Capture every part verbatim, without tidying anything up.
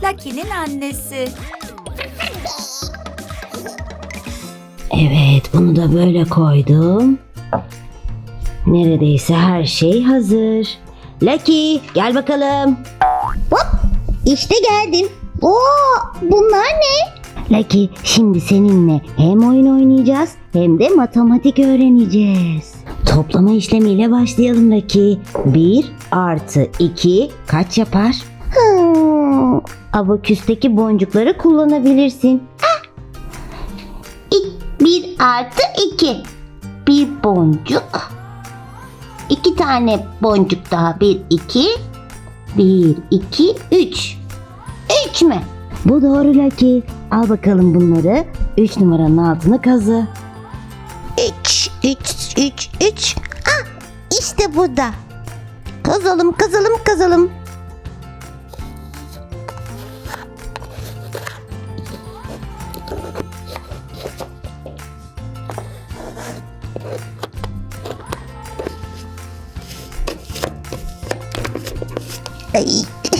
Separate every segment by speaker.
Speaker 1: Lucky'nin annesi.
Speaker 2: Evet, bunu da böyle koydum. Neredeyse her şey hazır. Lucky, gel bakalım.
Speaker 3: Hop, işte geldim. Oo, bunlar ne?
Speaker 2: Lucky, şimdi seninle hem oyun oynayacağız hem de matematik öğreneceğiz. Toplama işlemiyle başlayalım Lucky. bir artı iki kaç yapar?
Speaker 3: Hmm,
Speaker 2: Abaküsteki boncukları kullanabilirsin.
Speaker 3: bir artı iki. Bir boncuk. İki tane boncuk daha. Bir, iki. Bir, iki, üç. Üç mü?
Speaker 2: Bu doğru Lucky. Al bakalım bunları. üç numaranın altını kazı.
Speaker 3: Üç, üç, üç, üç. Ah, işte burada. Kazalım, kazalım, kazalım. Ay.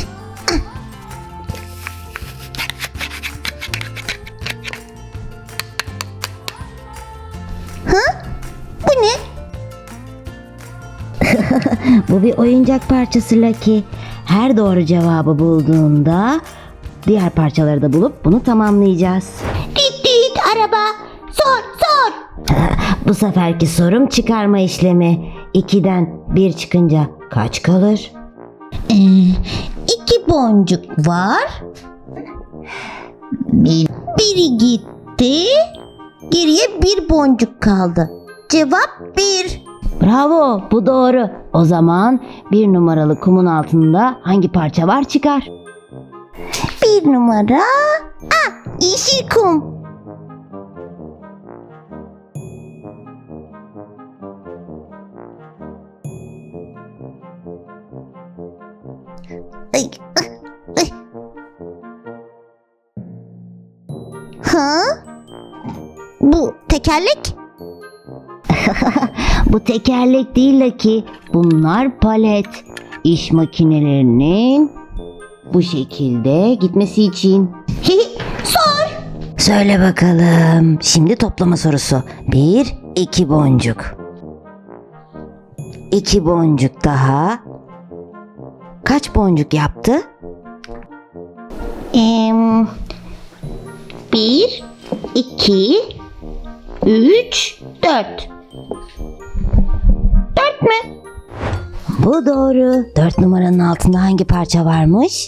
Speaker 3: Ha? Bu ne?
Speaker 2: Bu bir oyuncak parçası Lucky. Her doğru cevabı bulduğunda diğer parçaları da bulup bunu tamamlayacağız.
Speaker 3: Düt düt araba. Sor, sor.
Speaker 2: Bu seferki sorum çıkarma işlemi. ikiden bir çıkınca kaç kalır?
Speaker 3: Ee, iki boncuk var. Bir, biri gitti. Geriye bir boncuk kaldı. Cevap bir.
Speaker 2: Bravo, bu doğru. O zaman bir numaralı kumun altında hangi parça var çıkar.
Speaker 3: Bir numara. Ah, yeşil kum. Ay, ah, ay. Ha? Bu tekerlek?
Speaker 2: Bu tekerlek değil Lucky. Bunlar palet. İş makinelerinin bu şekilde gitmesi için.
Speaker 3: Sor.
Speaker 2: Söyle bakalım. Şimdi toplama sorusu. Bir, iki boncuk. İki boncuk daha. Kaç boncuk yaptı?
Speaker 3: Em, bir, iki, üç, dört. Dört mü?
Speaker 2: Bu doğru. Dört numaranın altında hangi parça varmış?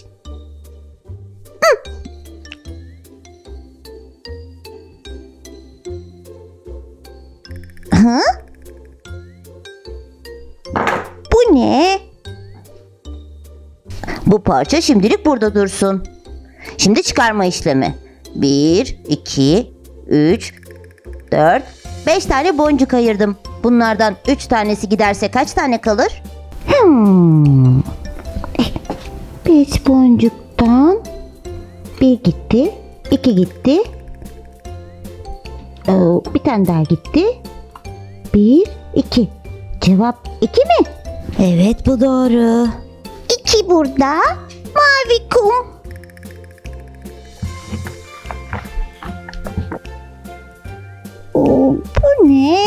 Speaker 3: Ha? Bu ne?
Speaker 2: Bu parça şimdilik burada dursun. Şimdi çıkarma işlemi. Bir, iki, üç, dört, beş tane boncuk ayırdım. Bunlardan üç tanesi giderse kaç tane kalır?
Speaker 3: Hmm. Beş boncuktan bir gitti, iki gitti. Ee, bir tane daha gitti. Bir, iki. Cevap iki mi?
Speaker 2: Evet, bu doğru.
Speaker 3: İki burada. Mavi kum. Oo, bu ne?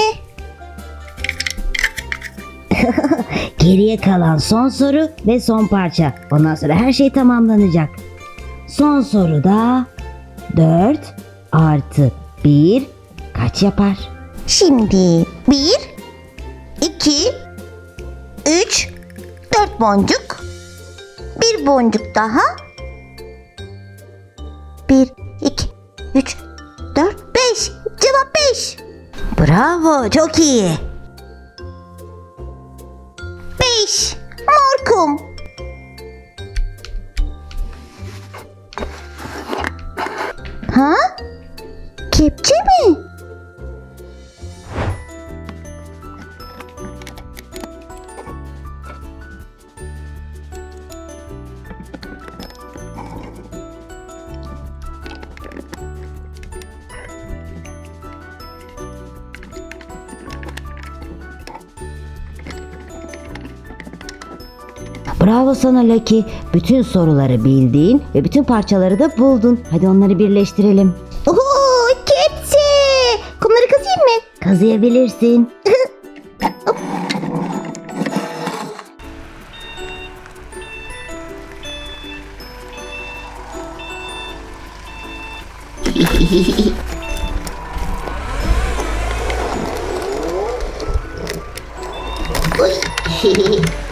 Speaker 2: Geriye kalan son soru ve son parça. Ondan sonra her şey tamamlanacak. Son soruda dört artı bir kaç yapar?
Speaker 3: Şimdi bir, iki, üç, dört boncuk. Bir boncuk daha. Bir, iki, üç, dört, beş. Cevap beş.
Speaker 2: Bravo, çok iyi.
Speaker 3: Beş. Mor kum. Ha? Kepçe mi?
Speaker 2: Bravo sana Lucky. Bütün soruları bildin ve bütün parçaları da buldun. Hadi onları birleştirelim.
Speaker 3: Oo, kepçe. Kumları kazıyım mı?
Speaker 2: Kazıyabilirsin.
Speaker 3: Oy.